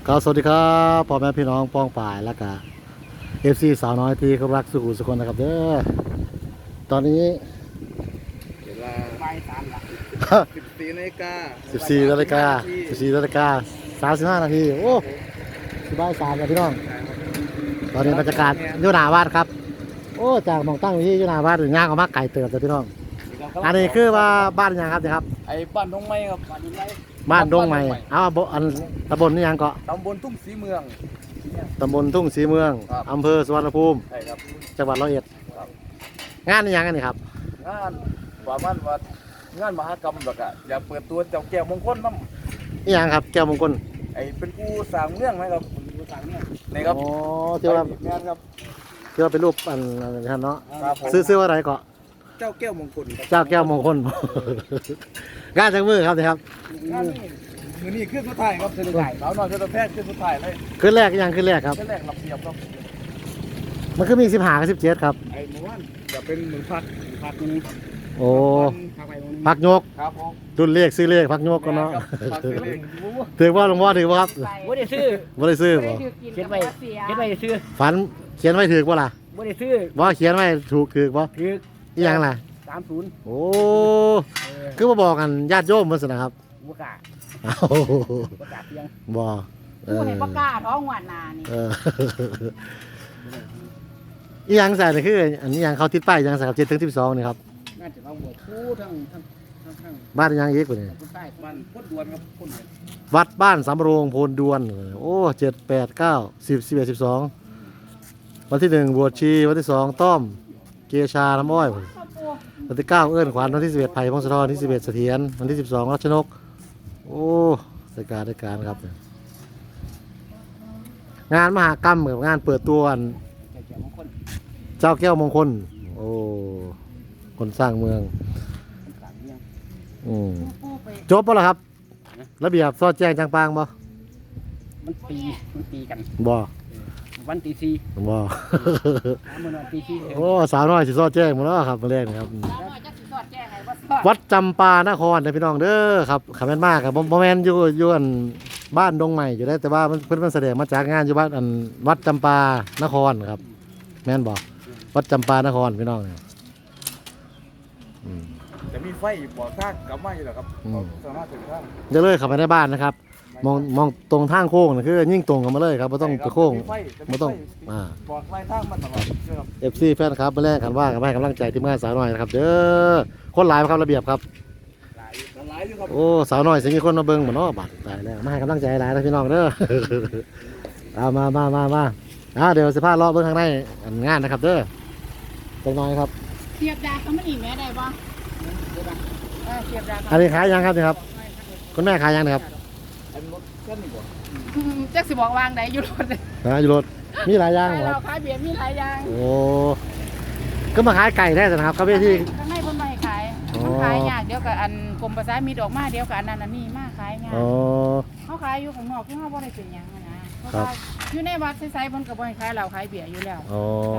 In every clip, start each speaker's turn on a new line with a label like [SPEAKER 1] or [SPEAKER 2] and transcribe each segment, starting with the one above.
[SPEAKER 1] ก็สวัสดีครับพ่อแม่พี่น้องป้องป่ายแล้วก็FC สาวน้อยที่เขารักสุขุสุคนนะครับเด้อตอนนี้
[SPEAKER 2] เวลาบ่าย3ละ14 นาฬิกา
[SPEAKER 1] 35 นาทีโอ้สิบ่าย3แล้วพี่น้องตอนนี้บรรยากาศอยู่หน้าวัดครับโอ้จากมองตั้งที่อยู่หน้าวัดย่างออกมาไก่เติบเลยพี่น้องอันนี้คือว่าบ้านยังครับเนี่ยครับ
[SPEAKER 2] ไอ้บ้านดงไม้ครับ
[SPEAKER 1] บ้านดงใหม่เอาอันตำบลนี่ยังเกาะ
[SPEAKER 2] ตำบลทุ่งศรีเมือง
[SPEAKER 1] ตำบลทุ่งศรีเมืองอำเภอสุวรรณภูมิ
[SPEAKER 2] ใช่ครับ
[SPEAKER 1] จังหวัดร้อยเอ็ดงานนี่ยังกันนี่ครับ
[SPEAKER 2] งานว่ามันว่างานมหกรรมแบบอะอยากเปิดตัวเจ้าแก้วมงคลน้ำ
[SPEAKER 1] นี่ยังครับแก้วมงคล
[SPEAKER 2] ไอ้เป็นผู้สร้างเรื่องไหมครับผู้สร้างเรื่องนี่ครับ
[SPEAKER 1] อ๋อที่ว่า
[SPEAKER 2] งานครับ
[SPEAKER 1] ที่ว่าเป็นรูปอันนั้นเนาะซื้อว่าอะไรเกาะ
[SPEAKER 2] เจ้าแก้วมงคล
[SPEAKER 1] เจ้าแก้วมงคลงานจังมือครับนี่ครับ
[SPEAKER 2] งานนี่ขึ้นสุดท้ายครับขึ้นสุดท้ายสาวน้อยขึ้นแพทย์ขึ้นสุดท้ายเลย
[SPEAKER 1] ขึ้นแรกยังขึ้นแรกครับ
[SPEAKER 2] ขึ้นแรกรับเสียบครับ
[SPEAKER 1] มันคือมี15กับ17ครับ
[SPEAKER 2] ไอ้เมื่อวานจะเป็นมือพักนี้
[SPEAKER 1] โอ้พักยก
[SPEAKER 2] ครับผม
[SPEAKER 1] รุ่นเลขซื้อเลขพักยกกันเนาะถือว่าหลวงพ่อถือว่าครับ
[SPEAKER 3] บ่ได้ซื้อ
[SPEAKER 1] บ่ได้ซื้อบ่
[SPEAKER 3] เขียนไว้ซื้อ
[SPEAKER 1] ฝันเขียนไว้ถือบ่ล่ะ
[SPEAKER 3] บ่ได้ซื้อ
[SPEAKER 1] บ่เขียนไว้ถูกถือบ่
[SPEAKER 3] ถือ
[SPEAKER 1] อีหยังล่ะ
[SPEAKER 3] 30
[SPEAKER 1] โอ้คือมาบอกกันญาติโยมมันสินะครับ
[SPEAKER 3] บ่กล้าบ่กล้าเพียง
[SPEAKER 1] บ่
[SPEAKER 3] ผู้ให้บ่กล้าท้องหวานนานี่
[SPEAKER 1] อีหยังใส่นี่คืออันนี้ยังเขาติดป้ายยังใส่กับ7ถึง12นี่ครับ
[SPEAKER 3] น่าจะเอาบวชคู่ทั้ง
[SPEAKER 1] บ้านยังอีกกว่านี้
[SPEAKER 2] บ้านพ้นดวนครับพ้น
[SPEAKER 1] วัดบ้านสำโรงโพนดวนโอ้7 8 9 10 11 12วันที่1บวชชีวันที่2ต้อมเกชาน้ำอ้อยวันที่9เอื้อนขวัญวันที่11ไผ่พงศธรวันที่11เสถียรวันที่12รัชนกโอ้รายการครับงานมหากรรมกับงานเปิดตัวเจ้าแก้วมงคลโอ้คนสร้างเมืองจบป่ะล่ะครับระเบียบซอดแจ้งจางปางบ่
[SPEAKER 3] มันตีกัน
[SPEAKER 1] บ่
[SPEAKER 3] วันตี4
[SPEAKER 1] บ่
[SPEAKER 3] มื้อนั้นตี4
[SPEAKER 1] โอ้สาวน้อยสิซอดแจ้งหมดแล้วครับมาแรกนะครับวัดจำปานครพี่น้องเด้อครับขับแม่นมากครับบ่แม่นอยู่อันบ้านดงใหม่อยู่ได้แต่ว่าเพิ่นแสดงมาจากงานอยู่บ้านอันวัดจำปานครครับแม่นบ่วัดจำปานครพี่น้องเนี่ย
[SPEAKER 2] จะมีไฟบอกทางกลับมาอยู่แล้วครับสามารถถึงทาง
[SPEAKER 1] จะเลยขับไปในบ้านนะครับมองตรงทางโค้งคือยิ่งตรงกันมาเลยครับไม่ต้องไปโค้งไม่ต้อง
[SPEAKER 2] บอกไล่ทางมาตลอดครับ
[SPEAKER 1] FC แฟนครับมาแรกกันว่ากันให้กำลังใจทีมงานสาวน้อยนะครับเด้อคนหลายครับระเบียบครับโอ้สาวน้อยสิมีคนมาเบิ่งเหมือนเนาะบัดตายแล้วมาให้กำลังใจหลายนะพี่น้องเด้อเอามาเดี๋ยวสิพาเลาะเบิ่งข้างในงานนะครับเด้อจังน้อยครับ
[SPEAKER 3] เสียบดาเขามันอีกแม่ได้บ่เสียบดา
[SPEAKER 1] อันนี้ขายยังครับนี่ครับคุณแม่ขายยังนะครับ
[SPEAKER 3] จักสิบอกวางไหนอยู่รถ
[SPEAKER 1] อยู่รถมีหลายอย่าง
[SPEAKER 3] ครับขายเบียร์มีหลายอย่าง
[SPEAKER 1] โอ้ก็มาขายไก่ได้นะครับครับพี่ที่
[SPEAKER 3] ข้างในเพิ่นมาให้ขายขายยากเดี๋ยวกับอันกรมประชามีดอกมาเดี๋ยวกับอันนั้นอันนี้มาขายยากเขาขายอยู่ของนอกที่เขาบ่ได้เป็นหยังนะเพราะว่าอยู่ในวัดไซๆเพิ่นก็บ่ให้ขายเหล้าขายเบียร์อยู่แล้ว
[SPEAKER 1] อ๋อ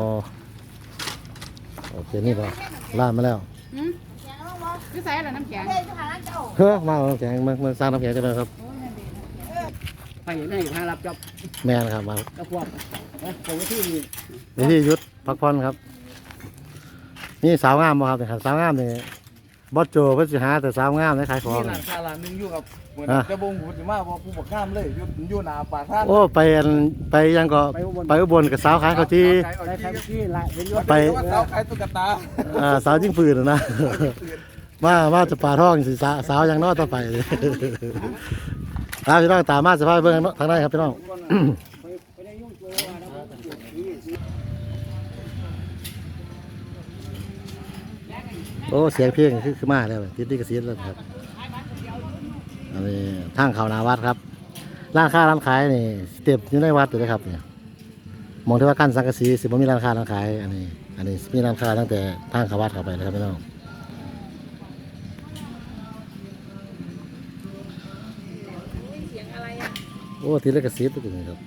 [SPEAKER 1] โอเคนี่ก็ร้านมาแล้ว
[SPEAKER 3] คือใส่อะไรน้ำแข็ง
[SPEAKER 1] เฮ้ยมาน้ำแข็งมาสร้างน้ำแข็งกันเลยครับ
[SPEAKER 3] ไปอยู่ในทางรับจอบ
[SPEAKER 1] แม่นะครับมา
[SPEAKER 3] ตะควบผม
[SPEAKER 1] ที่ยุทธพักผ่อนครับนี่สาวงามบ่ครับเนี่ยสาวงามเนี่ยบอสโจเพิ่นสิหาแต่สาวงามในขายของ
[SPEAKER 2] นี่ร้านนึงอยู่กับเหมือนจะบ่งหูสิมาบ่ผู้บักข้ามเลยอยู่หน้าปากทาง
[SPEAKER 1] โอ้ไปยังก็ไปอุบลกับสาวขายข้าวจีไป
[SPEAKER 2] สาวขายตุ๊กตา
[SPEAKER 1] สาวยิงปืนนะมาจะป่าท้องสิสาวยังน้อยต่อไปพี่น้องตามมาสภาพเบื้องทางได้ครับพี่น้องโอ้เสียงเพลงคือมาแล้วติดดิกระสีแล้วครับอันนี้ทางเขานาวัดครับร้านค้าร้านขายนี่เต็มอยู่ในวัดเลยนะครับเนี่ยมองที่ว่ากั้นสังกะสีสิบ่มีร้านค้าร้านขายอันนี้มีร้านค้าตั้งแต่ทางเขาวัดเข้าไปเลยครับพี่น้องโอ้ทีเล็กกระสีตัวนี้ครับ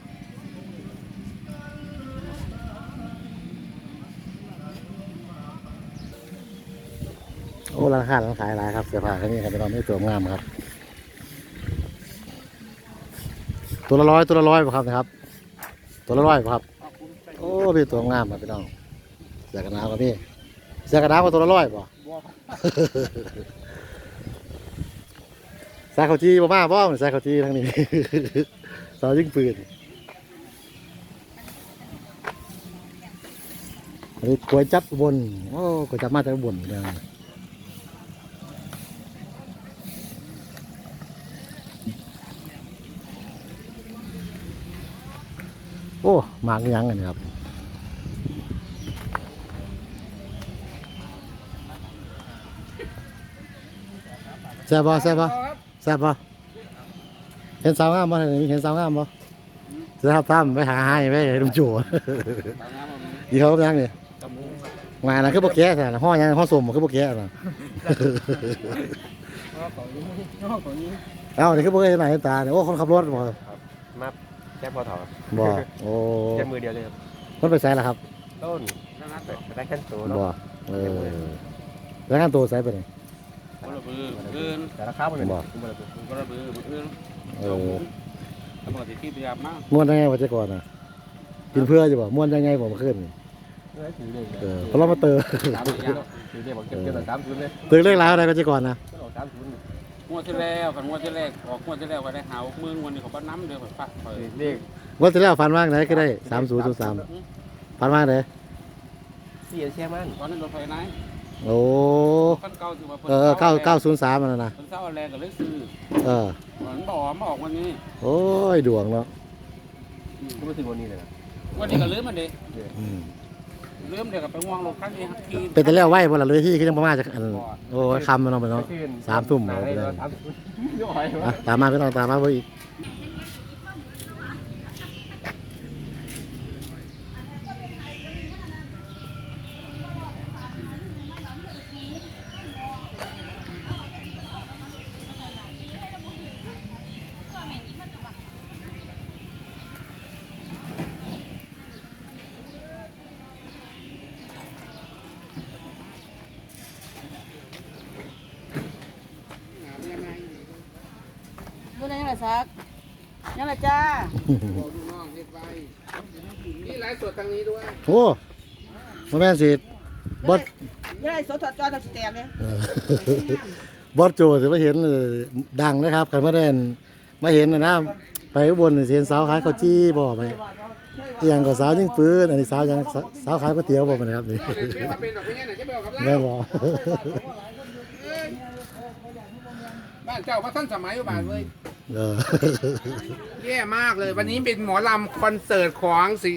[SPEAKER 1] โอ้ร้านค้าร้านขายหลายครับเสื้อผ้าแค่นี้ครับพี่น้องไม่ตัวงามครับตัวละ100ป่ะครับนะครับตัวละ100ป่ะครับโอ้พี่ตัวงามครับพี่น้องเสื้อกันหนาวครับพี่เสื้อกันหนาวก็ตัวละ100ป่ะ สายเขาจีบ่มาบ่สายเขาจีทั้งนี้ สาวยิงปืนอันนี้ก๋วยจั๊บอุบลโอ้ก๋วยจั๊บมาจากอุบลเนี่ยโอ้หมากยังกันครับแซ่บบ่แซ่บบ่แซ่บบ่เห็นสาวงามบ่เห็นสาวงามบ่จะทับทำไปหาให้ไปให้ลุงจู่ ดีเขาเป็นยังนี่มานะคือโปแกะแต่ห้อยังห้อสมคือโปแกะนะเอ้านี่คือโปแกะไหนตาเนี่ยโอ้คนขับรถบ่
[SPEAKER 2] มาแค่พอถอด
[SPEAKER 1] บ่โอ้
[SPEAKER 2] แค่มือเดียวเลยครับ
[SPEAKER 1] มันไปใส่ละครับ
[SPEAKER 2] ต้นได้แค่ตัว
[SPEAKER 1] บ่เออแล้วงานตัวใส่ไปไหน
[SPEAKER 4] คนละบืออื่น
[SPEAKER 2] แต่ราคาเป็น
[SPEAKER 1] บ่
[SPEAKER 4] คนละบืออื่น
[SPEAKER 1] เออ
[SPEAKER 4] ตำรวจที่พยายามมาก
[SPEAKER 1] ม้วนยังไงวะเจ้าก่อนน่ะกินเพื่ออยู่บ่ม้วนยังไงผมขึ้นเออเพราะเรามาเติม
[SPEAKER 2] ถือได้บอกเก็บแต่30เลย
[SPEAKER 1] ตื่นเรื่องราวอะไรก็เจ้าก่อนนะ
[SPEAKER 4] งวดที่แล้วกันงวดที่แรกออกงวดที่แล้วก็ได้หามือวันนี้เขาบ้านน้ำเดือดฝากไป
[SPEAKER 2] เรียก
[SPEAKER 1] วันที่แล้วฟันว่างไหนก็ได้3003ฟันว่างไหน
[SPEAKER 2] เสียแช่มัน
[SPEAKER 4] ตอนนั้นรถไฟไหน
[SPEAKER 1] โอ้
[SPEAKER 4] ขั้นเก่าคือว่า
[SPEAKER 1] 903มันนะ
[SPEAKER 4] เพิ่นเศร้าแรงกับเลยซื้อ
[SPEAKER 1] เออ
[SPEAKER 4] เหมือนบอกมาออกวันนี้
[SPEAKER 1] โอ้ยดวงเนาะ
[SPEAKER 2] ก็ไม่ถึงวันนี้เลยนะ
[SPEAKER 4] วันนี้ก็ลืมมันดิ
[SPEAKER 1] อืม
[SPEAKER 4] ลืมเดี๋ยวกับไปง่วงลงครั้งนี้ที่
[SPEAKER 1] เป็นแต่แล้วไหวบ่ล่ะเลยที่คือยังประมาณจะอันโอ้ยคำมันเนาะไปเนาะ 3 ทุ่ม
[SPEAKER 2] หนา
[SPEAKER 1] เอา
[SPEAKER 2] ได้
[SPEAKER 1] ไปเลย
[SPEAKER 2] แล้ว30ย่อย
[SPEAKER 1] อ่ะตามมาพี่น้องตามมาเพิ่นอีก
[SPEAKER 3] ดูได้ยังไงซักยังไงจ้า
[SPEAKER 4] นี่ไลฟ์สดทางนี้ด้วย
[SPEAKER 1] โอ้บ่แม่นสิบอส
[SPEAKER 3] ยังไงสดจอดแตกเลย
[SPEAKER 1] เออบอสโจสิมาเห็นดังนะครับคันมาได้มาเห็นนะไปอุบลนี่สิเห็นสาวขายข้าวจี้บ่ไปอีหยังก็สาวยิงปืนอันนี้สาวยังสาวขายก๋วยเตี๋ยวบ่นะครับนี่
[SPEAKER 4] เป็นแบบนี้ไหนจะไปเอากับ
[SPEAKER 1] แม่นบ่
[SPEAKER 4] บ้านเจ้าพระท่านสมัยอยู่บ้านเลย
[SPEAKER 1] เออ
[SPEAKER 4] แย่มากเลย วันนี้เป็นหมอลำคอนเสิร์ตของสิ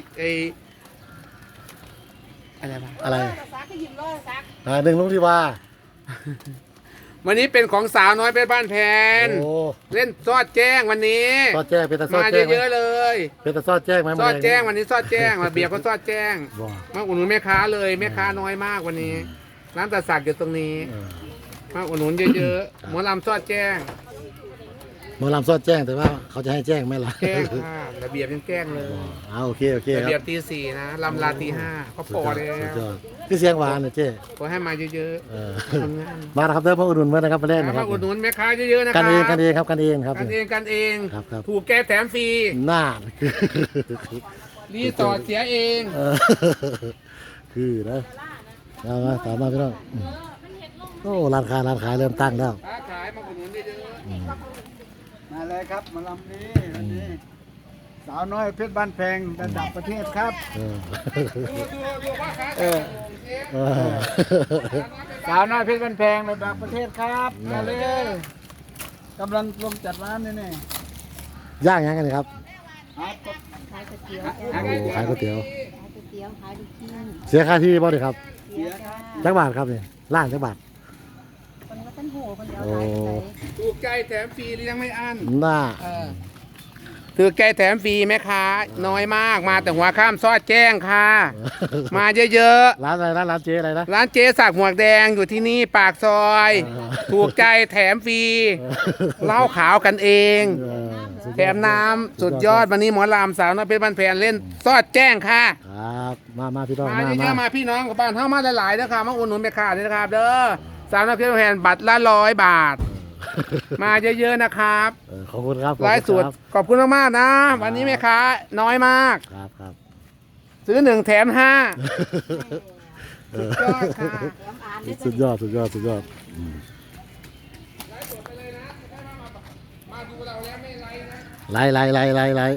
[SPEAKER 4] อะไรวะ
[SPEAKER 1] อะไร
[SPEAKER 3] ซักก็ยิ้มเลยซัก
[SPEAKER 1] หนึ่งลุงที่ว่า
[SPEAKER 4] วันนี้เป็นของสาวน้อยเพชรบ้านแพน
[SPEAKER 1] โอ้
[SPEAKER 4] เล่นซอดแจ้งวันนี้
[SPEAKER 1] ซอดแจ้งเป็นตาซอด
[SPEAKER 4] มา
[SPEAKER 1] แจ้งไหม
[SPEAKER 4] เยอะๆเลย
[SPEAKER 1] เป็นตาซอดแจ้งไหม
[SPEAKER 4] ซอดแจ้งวันนี้ซอดแจ้งมาเบียร์ก็ซอดแจ้ง
[SPEAKER 1] บ่
[SPEAKER 4] มาอุดหนุนแม่ค้าเลยแม่ค้าน้อยมากวันนี้ร้านตาสักอยู่ตรงนี้
[SPEAKER 1] เออ
[SPEAKER 4] มาอุดหนุนเยอะๆหมอลำซอดแจ้ง
[SPEAKER 1] หมอลำซอดแจ้งแต่ว่าเขาจะให้แจ้งไหมล่ะ
[SPEAKER 4] แจ้งค่ะระเบียบยังแจ้งเลย
[SPEAKER 1] เอาโอเคโอเค
[SPEAKER 4] ระ
[SPEAKER 1] ครั
[SPEAKER 4] เบีย
[SPEAKER 1] บบ
[SPEAKER 4] ตี 4นะลำลาตี 5เขาพอแล้
[SPEAKER 1] สุด
[SPEAKER 4] วย
[SPEAKER 1] อดคือเสียงหวานนะเจ้
[SPEAKER 4] ขอให้มาเยอะ
[SPEAKER 1] เออ
[SPEAKER 4] ๆทำงาน
[SPEAKER 1] มานะครับเด้อพ่ออุดหนุนเมื่อนะครับมาเล่นนะค
[SPEAKER 4] มา
[SPEAKER 1] รับ
[SPEAKER 4] อุดหนุนแม่ค้าเยอะๆนะค
[SPEAKER 1] กั
[SPEAKER 4] รั
[SPEAKER 1] นเองกันเองครับกันเองครับ
[SPEAKER 4] กันเองกันเอง
[SPEAKER 1] ครับครับ
[SPEAKER 4] ถูกแกแถมฟรี
[SPEAKER 1] หน้า
[SPEAKER 4] รีสอร์ทเสียเอง
[SPEAKER 1] เออคือนะเอามาตามมาพี่น้องโอ้ร้านค้าเริ่มตั้งแล้ว
[SPEAKER 4] ค้าขายมาอุดหนุนเยอะ
[SPEAKER 5] มาเลยครับมาลำนี้วันนี้สาวน้อยเพชรบ้านแพงระดับประเทศครับ
[SPEAKER 1] เออ
[SPEAKER 4] ๆดูว่าค้า
[SPEAKER 5] เออ
[SPEAKER 1] เออ
[SPEAKER 5] สาวน้อยเพชรบ้านแพงระดับประเทศครับมาเลยกำลังลงจัดร้านนี่
[SPEAKER 1] ย่างยังกันครับ
[SPEAKER 5] ครับ
[SPEAKER 3] ขายก๋วยเตี๋ยว
[SPEAKER 1] โอ้ขายก๋วยเตี๋ยว
[SPEAKER 3] ขายก๋วยเตี๋ยวขายลูกชิ้น
[SPEAKER 1] เสียค่าที่บ่ดิครับ
[SPEAKER 3] เสียค่ะ
[SPEAKER 1] จักบาทครับนี่ล้านจักบาท
[SPEAKER 3] คนว่าท่านโหคนเดียว
[SPEAKER 1] โอ้
[SPEAKER 3] ขายไป
[SPEAKER 4] ถูกใจแถมฟรีเลี้ยงไม่อั้น
[SPEAKER 1] หน้า
[SPEAKER 4] ถือแกแถมฟรีแม่ค้าน้อยมากมาแต่หัวข้ามซอดแจ้งค่ะ มาเยอะ
[SPEAKER 1] ร้านอะไรร้านเจ๊อะไรนะ
[SPEAKER 4] ๆร้านเจ๊สักหมวกแดงอยู่ที่นี่ปากซอย ถูกใจแถมฟรีเหล้าขาวกันเอง
[SPEAKER 1] เออสุดยอด
[SPEAKER 4] แถมน้ำสุดยอดวันนี้หมอลำสาวน้อยเพชรบ้านแพนเล่นซอดแจ้งค่ะ
[SPEAKER 1] ครับมาพี่น้อง
[SPEAKER 4] มาเยอะๆมาพี่น้องกับบ้านเท่ามาหลายๆนะครับมาอุดหนุนแม่ค้าด้วยนะครับเด้อสาวน้อยเพชรบ้านแพนบัตรละ100 บาทมาเยอะๆนะครับ
[SPEAKER 1] ขอบคุณครับ
[SPEAKER 4] ไลฟ์สดขอบคุณมากๆนะ วันนี้แม่ค้าน้อยมาก
[SPEAKER 1] ครับครับ
[SPEAKER 4] ซื้อ1 แถม 5
[SPEAKER 1] เออ
[SPEAKER 4] สุดยอดค่ะ
[SPEAKER 1] สุดยอดสุดยอดสุดยอด
[SPEAKER 4] ไลฟ์สดไปเลยนะมาดูเราแล้วไม่ไลฟ์นะ
[SPEAKER 1] ไล่ไล่ไล่ไล่ไล่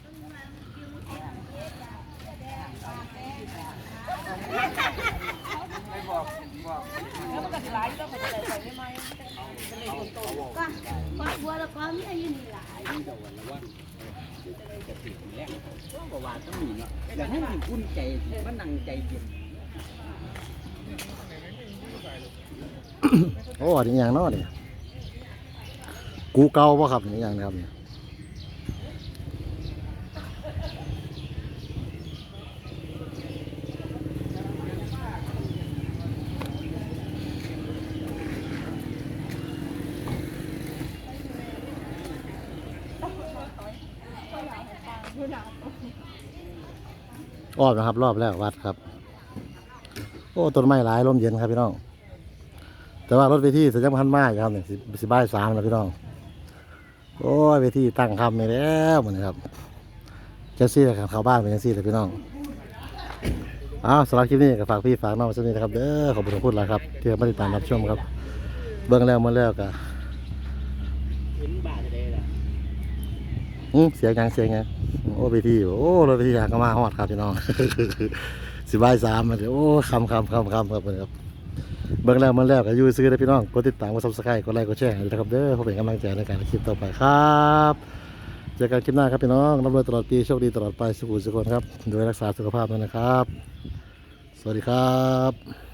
[SPEAKER 1] โอ้อันนี้อย่างเน้อนี่กูเก่าป่ะครับนี่อย่างนะครับนี่รอบนะครับรอบแรกวัดครับโอ้ต้นไม้หลายลมเย็นครับพี่น้องแต่ว่ารถเวทีสัญญาณพันมากครับเนี่ยสิบ่าย3แล้วพี่น้องโอ้ยเวทีตั้งคำนี่แล้วเหมือนครับเจ้าซี่กับเข้าบ้านเป็นเจ้าซี่เลยพี่น้องสำหรับคลิปนี้ก็ฝากพี่ฝากน้องไว้สักนิดนะครับเด้อขอบคุณทุกคนแล้วครับที่มาติดตามรับชมครับเบื้องแล้วมาแล้วก็เสียงยังโอ้เวทีโอ้รถเวทีอยากมาฮอดครับพี่น้อง สิบ่าย3มันโอ้คำครับเบิ่งแล้วมันแล้วก็อยู่ซื้อได้พี่น้องกดติดตามกด Subscribe กดไลค์กดแชร์ด้วยนะครับเด้อเพื่อเป็นกำลังใจในการคลิปต่อไปครับเจอกันคลิปหน้าครับพี่น้องร่ำรวยตลอดปีโชคดีตลอดไปสุขสุขคนครับโดยรักษาสุขภาพด้วยนะครับสวัสดีครับ